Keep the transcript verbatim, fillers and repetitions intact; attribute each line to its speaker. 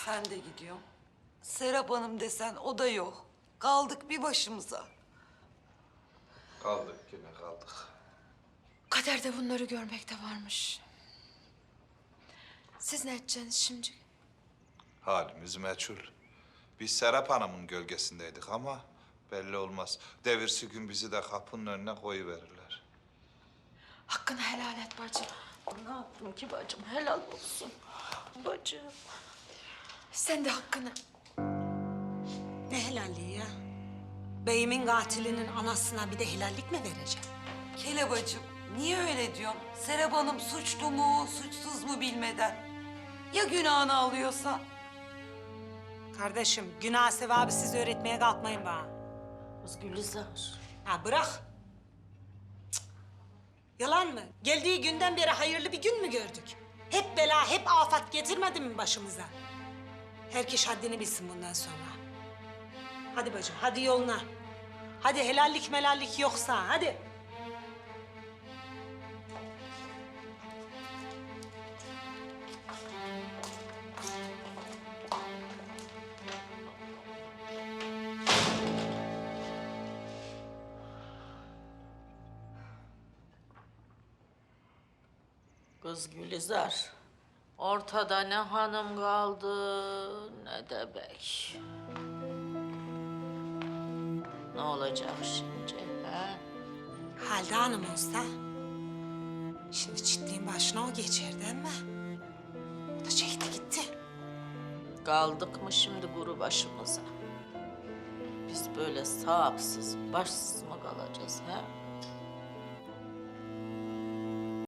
Speaker 1: Ben de gidiyorum. Serap Hanım desen o da yok. Kaldık bir başımıza.
Speaker 2: Kaldık yine kaldık.
Speaker 3: Kaderde bunları görmek de varmış. Siz ne edeceksiniz şimdi?
Speaker 2: Halimiz meçhul. Biz Serap Hanım'ın gölgesindeydik ama belli olmaz. Devirsi gün bizi de kapının önüne koyuverirler.
Speaker 3: Hakkını helal et bacım.
Speaker 1: Ne yaptım ki bacım? Helal olsun. Bacım.
Speaker 3: Sen de hakkını.
Speaker 4: Ne helalliği ya? Beyimin katilinin anasına bir de helallik mi vereceğim?
Speaker 1: Kele bacım, niye öyle diyorsun? Serap Hanım suçlu mu, suçsuz mu bilmeden. Ya günahını alıyorsa?
Speaker 4: Kardeşim, günah sevabı siz öğretmeye kalkmayın bana.
Speaker 1: Kız Gülizar.
Speaker 4: Ha bırak. Cık. Yalan mı? Geldiği günden beri hayırlı bir gün mü gördük? Hep bela, hep afat getirmedi mi başımıza? Herkes haddini bilsin bundan sonra. Hadi bacım, hadi yoluna. Hadi helallik melallik yoksa, hadi.
Speaker 5: Kız Gülizar, ortada ne hanım kaldı ne de bey. Ne olacak şimdi ha?
Speaker 4: Halide Hanım olsa, şimdi çitliğin başına o geçerdi ama o da çekti gitti.
Speaker 5: Kaldık mı şimdi kuru başımıza? Biz böyle sahipsiz, başsız mı kalacağız ha?